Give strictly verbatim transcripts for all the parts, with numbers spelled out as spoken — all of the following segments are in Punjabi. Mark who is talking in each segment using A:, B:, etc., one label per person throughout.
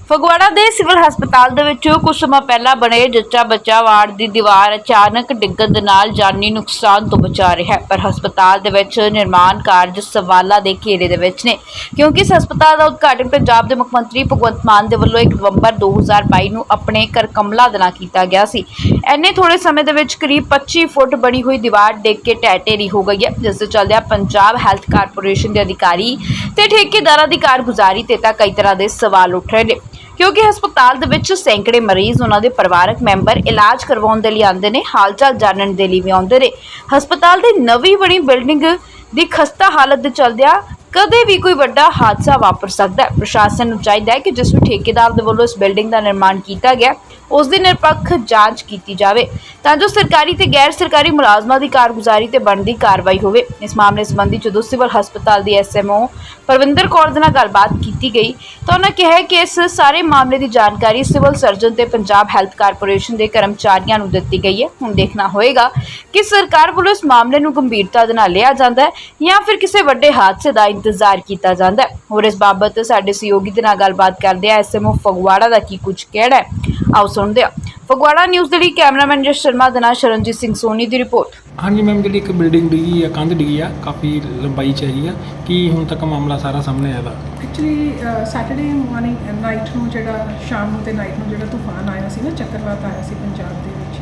A: ਫਗਵਾੜਾ ਦੇ ਸਿਵਲ ਹਸਪਤਾਲ ਦੇ ਵਿੱਚ ਕੁਝ ਸਮਾਂ ਪਹਿਲਾਂ ਬਣੇ ਜੱਚਾ ਬੱਚਾ ਵਾਰਡ ਦੀ ਦੀਵਾਰ ਅਚਾਨਕ ਡਿੱਗਣ ਦੇ ਨਾਲ ਜਾਨੀ ਨੁਕਸਾਨ ਤੋਂ ਬਚਾ ਰਿਹਾ ਹੈ, ਪਰ ਹਸਪਤਾਲ ਦੇ ਵਿੱਚ ਨਿਰਮਾਣ ਕਾਰਜ ਸਵਾਲਾਂ ਦੇ ਘੇਰੇ ਦੇ ਵਿੱਚ ਨੇ, ਕਿਉਂਕਿ ਇਸ ਹਸਪਤਾਲ ਦਾ ਉਦਘਾਟਨ ਪੰਜਾਬ ਦੇ ਮੁੱਖ ਮੰਤਰੀ ਭਗਵੰਤ ਮਾਨ ਦੇ ਵੱਲੋਂ ਇੱਕ ਨਵੰਬਰ ਦੋ ਹਜ਼ਾਰ ਬਾਈ ਨੂੰ ਆਪਣੇ ਘਰ ਕਮਲਾ ਦੇ ਨਾਲ ਕੀਤਾ ਗਿਆ ਸੀ। ਇੰਨੇ ਥੋੜੇ ਸਮੇਂ ਦੇ ਵਿੱਚ ਕਰੀਬ ਪੱਚੀ ਫੁੱਟ ਬਣੀ ਹੋਈ ਦੀਵਾਰ ਡਿੱਗ ਕੇ ਢਹਿ ਢੇਰੀ ਹੋ ਗਈ ਹੈ, ਜਿਸ ਦੇ ਚੱਲਦਿਆਂ ਪੰਜਾਬ ਹੈਲਥ ਕਾਰਪੋਰੇਸ਼ਨ ਦੇ ਅਧਿਕਾਰੀ ਤੇ ਠੇਕੇਦਾਰਾਂ ਦੀ ਕਾਰਗੁਜ਼ਾਰੀ ਤੇ ਤਾਂ ਕਈ ਤਰ੍ਹਾਂ ਦੇ ਸਵਾਲ ਉੱਠ ਰਹੇ ਨੇ, ਕਿਉਂਕਿ ਹਸਪਤਾਲ ਦੇ ਵਿੱਚ ਸੈਂਕੜੇ ਮਰੀਜ਼ ਉਹਨਾਂ ਦੇ ਪਰਿਵਾਰਕ ਮੈਂਬਰ ਇਲਾਜ ਕਰਵਾਉਣ ਦੇ ਲਈ ਆਉਂਦੇ ਨੇ, ਹਾਲ ਚਾਲ ਜਾਣਨ ਦੇ ਲਈ ਵੀ ਆਉਂਦੇ ਨੇ। ਹਸਪਤਾਲ ਦੀ ਨਵੀਂ ਬਣੀ ਬਿਲਡਿੰਗ ਦੀ ਖਸਤਾ ਹਾਲਤ ਦੇ ਚੱਲਦਿਆਂ ਕਦੇ ਵੀ ਕੋਈ ਵੱਡਾ ਹਾਦਸਾ ਵਾਪਰ ਸਕਦਾ ਹੈ। ਪ੍ਰਸ਼ਾਸਨ ਨੂੰ ਚਾਹੀਦਾ ਹੈ ਕਿ ਜਿਸ ਵੀ ਠੇਕੇਦਾਰ ਦੇ ਵੱਲੋਂ ਇਸ ਬਿਲਡਿੰਗ ਦਾ ਨਿਰਮਾਣ ਕੀਤਾ ਗਿਆ ਉਸ ਦੀ ਨਿਰਪੱਖ ਜਾਂਚ ਕੀਤੀ ਜਾਵੇ, ਤਾਂ ਜੋ ਸਰਕਾਰੀ ਤੇ ਗੈਰ ਸਰਕਾਰੀ ਮੁਲਾਜ਼ਮਾਂ ਦੀ ਕਾਰਗੁਜ਼ਾਰੀ ਤੇ ਬਣਦੀ ਕਾਰਵਾਈ ਹੋਵੇ। ਇਸ ਮਾਮਲੇ ਸੰਬੰਧੀ ਜਦੋਂ ਸਿਵਲ ਹਸਪਤਾਲ ਦੀ S M O Parvinder Kaur ਦੇ ਨਾਲ ਗੱਲਬਾਤ ਕੀਤੀ ਗਈ ਤਾਂ ਉਹਨਾਂ ਕਿਹਾ ਕਿ ਇਸ ਸਾਰੇ ਮਾਮਲੇ ਦੀ ਜਾਣਕਾਰੀ ਸਿਵਲ ਸਰਜਨ ਤੇ ਪੰਜਾਬ ਹੈਲਥ ਕਾਰਪੋਰੇਸ਼ਨ ਦੇ ਕਰਮਚਾਰੀਆਂ ਨੂੰ ਦਿੱਤੀ ਗਈ ਹੈ। ਹੁਣ ਦੇਖਣਾ ਹੋਏਗਾ ਕਿ ਸਰਕਾਰ ਵੱਲੋਂ ਇਸ ਮਾਮਲੇ ਨੂੰ ਗੰਭੀਰਤਾ ਦੇ ਨਾਲ ਲਿਆ ਜਾਂਦਾ ਹੈ ਜਾਂ ਫਿਰ ਕਿਸੇ ਵੱਡੇ ਹਾਦਸੇ ਦਾ ਇੰਤਜ਼ਾਰ ਕੀਤਾ ਜਾਂਦਾ ਹੈ। ਹੋਰ ਇਸ ਬਾਬਤ ਸਾਡੇ ਸਹਿਯੋਗੀ ਦੇ ਨਾਲ ਗੱਲਬਾਤ ਕਰਦੇ ਆ ਐਸ ਐਮ ਓ ਫਗਵਾੜਾ ਦਾ ਕੀ ਕੁਝ ਕਹਿਣਾ ਹੈ, ਆਓ ਸੁਣਦੇ ਹਾਂ। ਫਗਵਾੜਾ ਨਿਊਜ਼ ਦੇ ਲਈ ਕੈਮਰਾਮੈਨ ਜਸ ਸ਼ਰਮਾ ਦੇ ਨਾਲ ਸ਼ਰਨਜੀਤ ਸਿੰਘ ਸੋਨੀ ਦੀ ਰਿਪੋर्ट।
B: हाँ जी मैम, जी एक बिल्डिंग डिगी है, कंध डिगी है, काफ़ी लंबाई च हैगी है कि हुण तक मामला सारा सामने आया।
C: एक्चुअली सैटरडे मॉर्निंग नाइट ਨੂੰ ਜਿਹੜਾ ਸ਼ਾਮ ਨੂੰ ਤੇ ਨਾਈਟ ਨੂੰ ਜਿਹੜਾ ਤੂਫਾਨ ਆਇਆ ਸੀ ਨਾ, ਚੱਕਰਵਾਤ ਆਇਆ ਸੀ ਪੰਜਾਬ ਦੇ ਵਿੱਚ,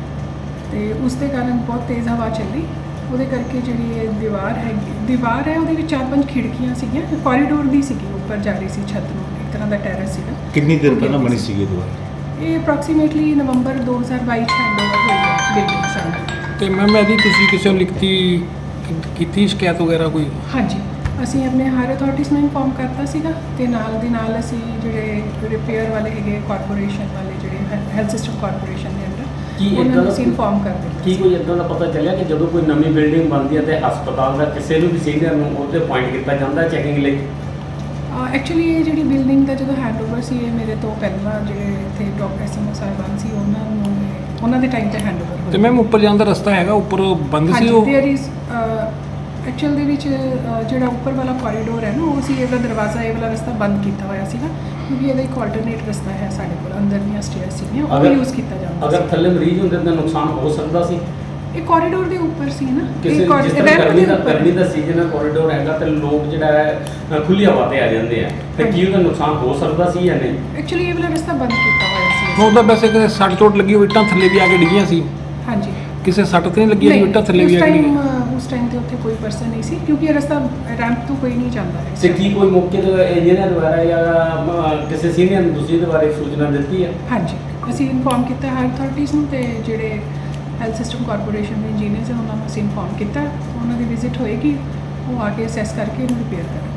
C: ਤੇ ਉਸ ਦੇ ਕਾਰਨ ਬਹੁਤ ਤੇਜ਼ ਹਵਾ ਚੱਲੀ। ਉਹਦੇ ਕਰਕੇ ਜਿਹੜੀ ਇਹ ਦੀਵਾਰ ਹੈਗੀ ਦੀਵਾਰ ਹੈ ਉਹਦੇ ਵਿੱਚ ਚਾਰ ਪੰਜ ਖਿੜਕੀਆਂ ਸੀਗੀਆਂ, ਕੋਰੀਡੋਰ ਦੀ ਸੀਗੀ, ਉੱਪਰ ਜਾ ਰਹੀ ਸੀ ਛੱਤ ਨੂੰ, ਇੱਕ ਤਰ੍ਹਾਂ ਦਾ ਟੈਰੇਸ ਸੀਗਾ।
D: ਕਿੰਨੀ ਦੇਰ ਪਹਿਲਾਂ ਬਣੀ ਸੀਗੀ ਦੀਵਾਰ?
C: ਇਹ ਅਪਰੋਕਸੀਮੇਟਲੀ ਨਵੰਬਰ ਦੋ ਹਜ਼ਾਰ ਬਾਈ ਚ ਹੈਂਡਓਵਰ ਹੋਈ ਹੈ ਬਿਲਡਿੰਗ ਸਾਨੂੰ।
B: ਤੇ ਮੈਮ ਇਹਦੀ ਤੁਸੀਂ ਕਿਸੇ ਨੂੰ ਲਿਖਤੀ ਕੀਤੀ ਸ਼ਿਕਾਇਤ ਵਗੈਰਾ ਕੋਈ?
C: ਹਾਂਜੀ, ਅਸੀਂ ਆਪਣੇ ਹਾਇਰ ਅਥਾਰਟੀਜ਼ ਨੂੰ ਇਨਫੋਰਮ ਕਰਤਾ ਸੀਗਾ, ਤੇ ਨਾਲ ਦੀ ਨਾਲ ਅਸੀਂ ਜਿਹੜੇ ਰਿਪੇਅਰ ਵਾਲੇ ਹੈਗੇ ਕਾਰਪੋਰੇਸ਼ਨ ਵਾਲੇ, ਜਿਹੜੇ ਹੈਲਥ ਸਿਸਟਮ ਕਾਰਪੋਰੇਸ਼ਨ ਦੇ ਅੰਦਰ,
E: ਕੀ
C: ਉਹਨਾਂ
E: ਇੱਦਾਂ
C: ਨੂੰ
E: ਦਾ
C: ਅਸੀਂ ਇਨਫੋਰਮ ਕਰ ਦਿੱਤਾ।
E: ਕੀ ਕੋਈ ਇੱਦਾਂ ਦਾ ਪਤਾ ਚੱਲਿਆ ਕਿ ਜਦੋਂ ਕੋਈ ਨਵੀਂ ਬਿਲਡਿੰਗ ਬਣਦੀ ਹੈ ਤੇ ਹਸਪਤਾਲ ਦਾ ਕਿਸੇ ਨੂੰ ਵੀ ਸੀਨੀਅਰ ਨੂੰ ਉਹਦੇ ਪੁਆਇੰਟ ਕੀਤਾ ਜਾਂਦਾ ਚੈਕਿੰਗ ਲਈ?
C: ਐਕਚੁਅਲੀ ਇਹ ਜਿਹੜੀ ਬਿਲਡਿੰਗ ਦਾ ਜਦੋਂ ਹੈਂਡਓਵਰ ਸੀ, ਇਹ ਮੇਰੇ ਤੋਂ ਪਹਿਲਾਂ ਜਿਹੜੇ ਇੱਥੇ ਡਾਕਟਰ ਐਸਐਮਓ ਸਾਹਿਬਾਨ ਸੀ, ਉਹਨਾਂ ਨੂੰ ਉਹਨਾਂ ਦੇ ਟਾਈਮ ਤੇ ਹੈਂਡਓਵਰ ਹੋਇਆ।
B: ਤੇ ਮੈਮ ਉੱਪਰ ਜਾਣ ਦਾ ਰਸਤਾ ਹੈਗਾ, ਉੱਪਰ ਬੰਦ ਸੀ ਉਹ?
C: ਦੇਅਰ ਇਜ਼ ਐਕਚੁਅਲ ਦੇ ਵਿੱਚ ਜਿਹੜਾ ਉੱਪਰ ਵਾਲਾ ਕੋਰੀਡੋਰ ਹੈ ਨਾ, ਉਹ ਸੀ, ਇਹਦਾ ਦਰਵਾਜ਼ਾ, ਇਹ ਵਾਲਾ ਰਸਤਾ ਬੰਦ ਕੀਤਾ ਹੋਇਆ ਸੀਗਾ, ਕਿਉਂਕਿ ਇਹਦਾ ਇੱਕ ਆਲਟਰਨੇਟ ਰਸਤਾ ਹੈ ਸਾਡੇ ਕੋਲ, ਅੰਦਰ ਦੀਆਂ ਸਟੇਅਰ ਸੀਗੀਆਂ, ਉਹ ਯੂਜ਼ ਕੀਤਾ ਜਾਂਦਾ।
E: ਅਗਰ ਥੱਲੇ ਮਰੀਜ਼ ਹੁੰਦੇ ਤਾਂ ਨੁਕਸਾਨ ਹੋ ਸਕਦਾ ਸੀ।
C: ਇਹ ਕੋਰੀਡੋਰ ਦੇ ਉੱਪਰ ਸੀ ਨਾ,
E: ਕਿਸੇ
C: ਇਹ
E: ਜਿਸ ਤਰ੍ਹਾਂ ਗਰਮੀ ਦਾ ਗਰਮੀ ਦਾ ਸੀਜ਼ਨ ਹੈ, ਕੋਰੀਡੋਰ ਹੈਗਾ ਤੇ ਲੋਕ ਜਿਹੜਾ ਹੈ ਖੁੱਲੀ ਹਵਾ ਤੇ ਆ ਜਾਂਦੇ ਆ, ਤੇ ਕੀ ਉਹਦਾ ਨੁਕਸਾਨ ਹੋ ਸਕਦਾ ਸੀ ਜਾਂ ਨਹੀਂ?
C: ਐਕਚੁਅਲੀ ਇਹ ਵਾਲਾ ਰਸਤਾ ਬੰਦ ਕੀਤਾ ਹੋਇਆ ਸੀ।
B: ਉਹਦਾ ਵੈਸੇ ਕਿਸੇ ਸੱਟ ਚੋਟ ਲੱਗੀ ਹੋਈ, ਇੱਟਾਂ ਥੱਲੇ ਵੀ ਆ ਕੇ ਡਿੱਗੀਆਂ ਸੀ?
C: ਹਾਂਜੀ,
B: ਕਿਸੇ ਸੱਟ ਤੇ ਨਹੀਂ ਲੱਗੀ ਹੋਈ, ਇੱਟਾਂ ਥੱਲੇ ਵੀ ਆ ਕੇ ਡਿੱਗੀਆਂ?
C: ਉਸ ਟਾਈਮ ਤੇ ਉੱਥੇ ਕੋਈ ਪਰਸਨ ਨਹੀਂ ਸੀ, ਕਿਉਂਕਿ ਇਹ ਰਸਤਾ ਰੈਂਪ ਤੋਂ ਕੋਈ ਨਹੀਂ ਜਾਂਦਾ ਹੈ।
E: ਤੇ ਕੀ ਕੋਈ ਮੌਕੇ ਤੇ ਇੰਜੀਨੀਅਰ ਦੁਆਰਾ ਜਾਂ ਕਿਸੇ ਸੀਨੀਅਰ ਨੂੰ ਦੂਸਰੀ ਦੇ ਬਾਰੇ ਸੂਚਨਾ ਦਿੱਤੀ ਹੈ?
C: ਹਾਂਜੀ, ਅਸੀਂ ਇਨਫੋਰਮ ਕੀਤਾ ਹਾਇਰ ਅਥਾਰਟੀਜ਼ ਨੂੰ, ਤੇ ਜਿਹੜੇ ਹੈਲਥ ਸਿਸਟਮ ਕਾਰਪੋਰੇਸ਼ਨ ਦੇ ਇੰਜੀਨੀਅਰਸ ਹਨ ਉਹਨਾਂ ਨੂੰ ਅਸੀਂ ਇਨਫੋਰਮ ਕੀਤਾ। ਉਹਨਾਂ ਦੀ ਵਿਜ਼ਿਟ ਹੋਏਗੀ, ਉਹ ਆ ਕੇ ਅਸੈਸ ਕਰਕੇ ਇਹਨੂੰ ਰਿਪੇਅਰ ਕਰਨਗੇ।